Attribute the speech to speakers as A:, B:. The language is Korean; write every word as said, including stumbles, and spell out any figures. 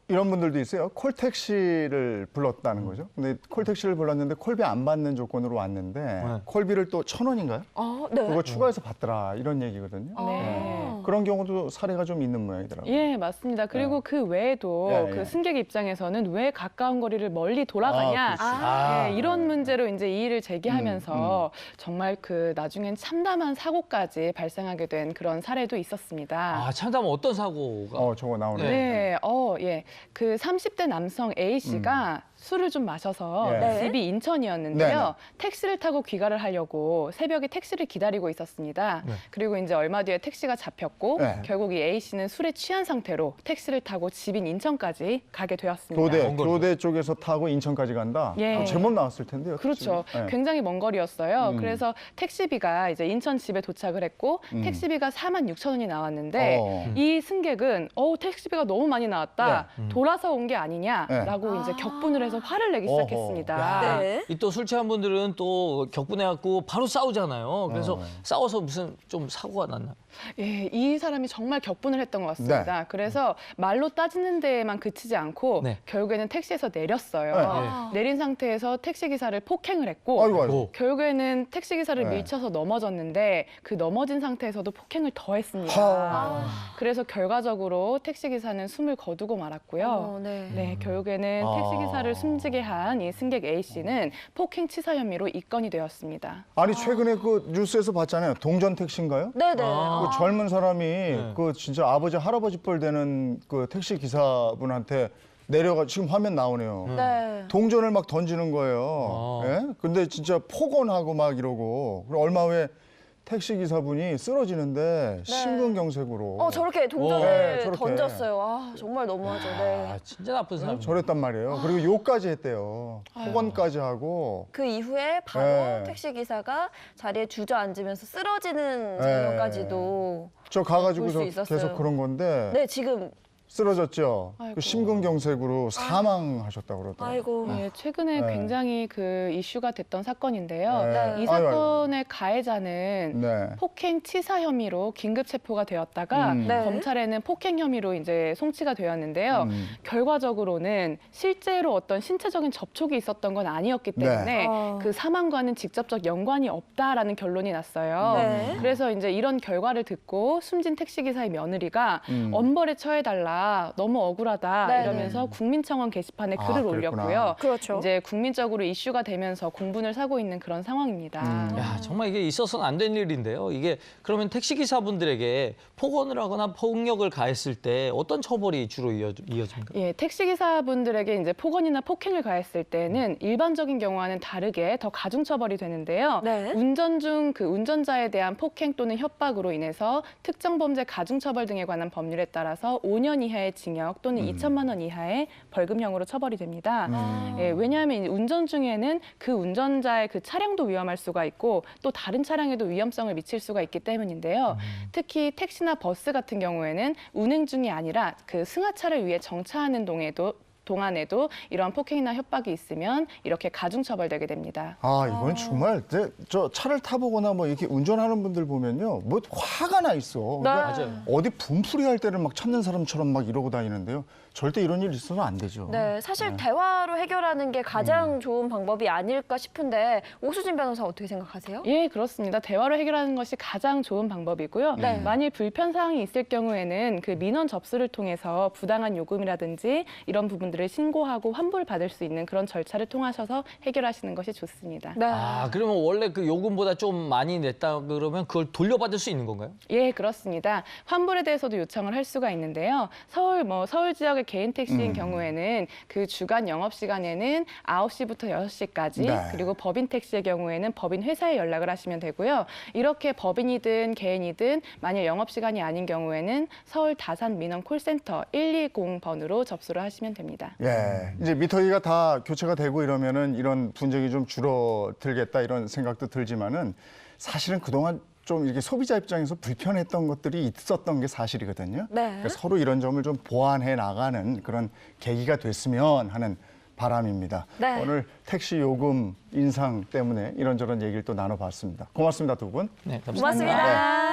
A: 이런 분들도 있어요. 콜택시를 불렀다는 거죠. 근데 콜택시를 불렀는데 콜비 안 받는 조건으로 왔는데
B: 네.
A: 콜비를 또 천 원인가요?
C: 아, 네.
A: 그거 추가해서 받더라 이런 얘기거든요.
C: 아.
A: 네. 그런 경우도 사례가 좀 있는 모양이더라고요.
D: 예, 맞습니다. 그리고
A: 네.
D: 그 외에도
A: 예, 예.
D: 그 승객 입장에서는 왜 가까운 거리를 멀리 돌아가냐.
A: 아, 그렇지.
B: 아.
D: 예, 이런 문제로 이제 이의를 제기하면서
A: 음,
D: 정말 그 나중엔 참담한 사고까지 발생하게 된 그런 사례도 있었습니다.
B: 아, 참담 어떤 사고가?
A: 어, 저거 나오네.
D: 네, 어, 예. 그 삼십 대 남성 A 씨가 술을 좀 마셔서
A: 예.
C: 네.
D: 집이 인천이었는데요.
A: 네네.
D: 택시를 타고 귀가를 하려고 새벽에 택시를 기다리고 있었습니다.
B: 네.
D: 그리고 이제 얼마 뒤에 택시가 잡혔고
A: 네.
D: 결국 이 A 씨는 술에 취한 상태로 택시를 타고 집인 인천까지 가게 되었습니다.
A: 교대,
B: 먼 거리죠.
A: 교대 쪽에서 타고 인천까지 간다?
D: 예.
A: 어, 제법 나왔을 텐데요.
D: 그렇죠.
A: 네.
D: 굉장히 먼 거리였어요.
A: 음.
D: 그래서 택시비가 이제 인천 집에 도착을 했고
A: 음.
D: 택시비가 사만 육천 원이 나왔는데
A: 어.
D: 이 승객은 어 택시비가 너무 많이 나왔다.
B: 네. 음.
D: 돌아서 온 게 아니냐라고
C: 네.
D: 이제
C: 아.
D: 격분을 해서 화를 내기
A: 어허.
D: 시작했습니다.
B: 야,
C: 네.
B: 이 또 술 취한 분들은 또 격분해갖고 바로 싸우잖아요. 그래서
A: 어.
B: 싸워서 무슨 좀 사고가 났나?
D: 예, 이 사람이 정말 격분을 했던 것 같습니다.
A: 네.
D: 그래서 말로 따지는 데에만 그치지 않고
B: 네.
D: 결국에는 택시에서 내렸어요.
A: 네.
C: 아.
D: 내린 상태에서 택시 기사를 폭행을 했고
A: 아이고, 아이고.
B: 오.
D: 결국에는 택시 기사를
A: 네.
D: 밀쳐서 넘어졌는데 그 넘어진 상태에서도 폭행을 더했습니다.
A: 하.
D: 그래서 결과적으로 택시 기사는 숨을 거두고 말았고요.
C: 어, 네.
D: 네, 결국에는
A: 아.
D: 택시 기사를 숨지게 한 이 승객 A 씨는 폭행치사 혐의로 입건이 되었습니다.
A: 아니 최근에 그 뉴스에서 봤잖아요. 동전 택시인가요?
C: 네네.
B: 아.
A: 그 젊은 사람이
B: 네.
A: 그 진짜 아버지 할아버지 뻘 되는 그 택시 기사분한테 내려가 지금 화면 나오네요.
C: 네.
A: 동전을 막 던지는 거예요.
B: 아.
A: 예? 근데 진짜 폭언하고 막 이러고 그리고 얼마 후에 택시 기사분이 쓰러지는데 심근경색으로
C: 어, 저렇게 동전을
A: 네, 저렇게.
C: 던졌어요. 아, 정말 너무하죠. 네.
B: 아, 진짜 나쁜 사람.
A: 저랬단 말이에요. 그리고 욕까지 했대요. 폭언까지 하고.
C: 그 이후에 바로
A: 네.
C: 택시 기사가 자리에 주저앉으면서 쓰러지는
A: 네.
C: 장면까지도
A: 저 가가지고서
C: 볼수 있었어요.
A: 계속 그런 건데
C: 네, 지금
A: 쓰러졌죠.
D: 아이고.
A: 그 심근경색으로 사망하셨다고 그러더라고요.
C: 아이고.
D: 예, 최근에
A: 네.
D: 굉장히 그 이슈가 됐던 사건인데요.
A: 네.
D: 이
A: 아이고, 아이고.
D: 사건의 가해자는
A: 네.
D: 폭행 치사 혐의로 긴급 체포가 되었다가
A: 음.
C: 네.
D: 검찰에는 폭행 혐의로 이제 송치가 되었는데요.
A: 음.
D: 결과적으로는 실제로 어떤 신체적인 접촉이 있었던 건 아니었기
A: 네.
D: 때문에
C: 아.
D: 그 사망과는 직접적 연관이 없다라는 결론이 났어요.
C: 네.
D: 그래서 이제 이런 결과를 듣고 숨진 택시기사의 며느리가
A: 음.
D: 엄벌에 처해달라 너무 억울하다
C: 네.
D: 이러면서 국민청원 게시판에
A: 아,
D: 글을
A: 그랬구나.
D: 올렸고요.
C: 그렇죠.
D: 이제 국민적으로 이슈가 되면서 공분을 사고 있는 그런 상황입니다.
A: 음.
B: 야, 정말 이게 있어서는 안 된 일인데요. 이게 그러면 택시 기사분들에게 폭언을 하거나 폭력을 가했을 때 어떤 처벌이 주로 이어, 이어집니까?
D: 예, 택시기사분들에게 이제 폭언이나 폭행을 가했을 때는 일반적인 경우와는 다르게 더 가중처벌이 되는데요.
C: 네.
D: 운전 중 그 운전자에 대한 폭행 또는 협박으로 인해서 특정 범죄 가중처벌 등에 관한 법률에 따라서 오 년 이하의 징역 또는
A: 음.
D: 이천만 원 이하의 벌금형으로 처벌이 됩니다.
A: 음.
D: 예, 왜냐하면 이 운전 중에는 그 운전자의 그 차량도 위험할 수가 있고 또 다른 차량에도 위험성을 미칠 수가 있기 때문인데요. 특히 택시나 버스 같은 경우에는 운행 중이 아니라 그 승하차를 위해 정차하는 동에도 동안에도 이러한 폭행이나 협박이 있으면 이렇게 가중처벌되게 됩니다.
A: 아, 이건 정말 제, 저 차를 타보거나 뭐 이렇게 운전하는 분들 보면요. 뭐 화가 나 있어. 그러니까
B: 맞아요.
A: 어디 분풀이 할 때를 막 찾는 사람처럼 막 이러고 다니는데요. 절대 이런 일 있어서는 안 되죠.
C: 네, 사실 대화로 해결하는 게 가장 좋은 방법이 아닐까 싶은데 오수진 변호사 어떻게 생각하세요?
D: 예, 그렇습니다. 대화로 해결하는 것이 가장 좋은 방법이고요.
C: 네.
D: 만일 불편 사항이 있을 경우에는 그 민원 접수를 통해서 부당한 요금이라든지 이런 부분들을 신고하고 환불 받을 수 있는 그런 절차를 통하셔서 해결하시는 것이 좋습니다.
C: 네.
B: 아, 그러면 원래 그 요금보다 좀 많이 냈다 그러면 그걸 돌려받을 수 있는 건가요?
D: 예, 그렇습니다. 환불에 대해서도 요청을 할 수가 있는데요. 서울 뭐 서울 지역의 개인 택시인
A: 음.
D: 경우에는 그 주간 영업 시간에는 아홉 시부터 여섯 시까지
A: 네.
D: 그리고 법인 택시의 경우에는 법인 회사에 연락을 하시면 되고요. 이렇게 법인이든 개인이든 만일 영업 시간이 아닌 경우에는 서울 다산 민원 콜센터 일이공 번으로 접수를 하시면 됩니다.
A: 예, 이제 미터기가 다 교체가 되고 이러면은 이런 분쟁이 좀 줄어들겠다 이런 생각도 들지만은 사실은 그동안 좀 이렇게 소비자 입장에서 불편했던 것들이 있었던 게 사실이거든요.
C: 네.
A: 그러니까 서로 이런 점을 좀 보완해 나가는 그런 계기가 됐으면 하는 바람입니다.
C: 네.
A: 오늘 택시 요금 인상 때문에 이런저런 얘기를 또 나눠봤습니다. 고맙습니다, 두 분.
B: 네, 감사합니다.
C: 고맙습니다.